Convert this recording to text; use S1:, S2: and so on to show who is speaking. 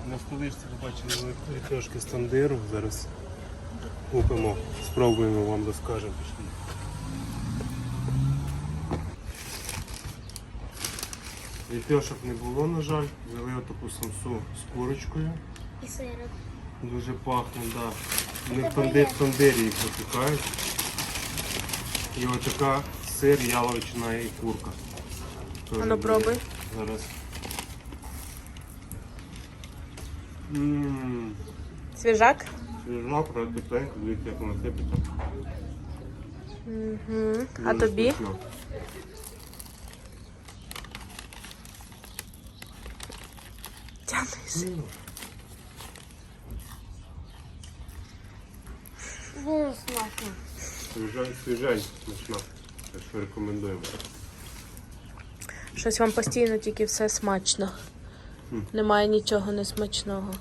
S1: На столичці побачили трошки стандиру. Зараз купимо, спробуємо, вам розкажемо. Пішли. Ліпьошок не було, на жаль. Взяли отаку самсу з курочкою.
S2: І сиром.
S1: Дуже пахне, так. Вони в тандирі їх запікають. І отака сир, яловичина і курка.
S3: А ну пробуй.
S1: Зараз.
S3: Свіжак?
S1: Свіжак, тепленько, дивіться, як вона сипеться.
S3: А тобі?
S1: Смачно.
S3: Тянуйся.
S2: Дуже смачно.
S1: Свіжень, смачно. Так що рекомендуємо.
S3: Щось вам постійно тільки все смачно. Немає нічого несмачного.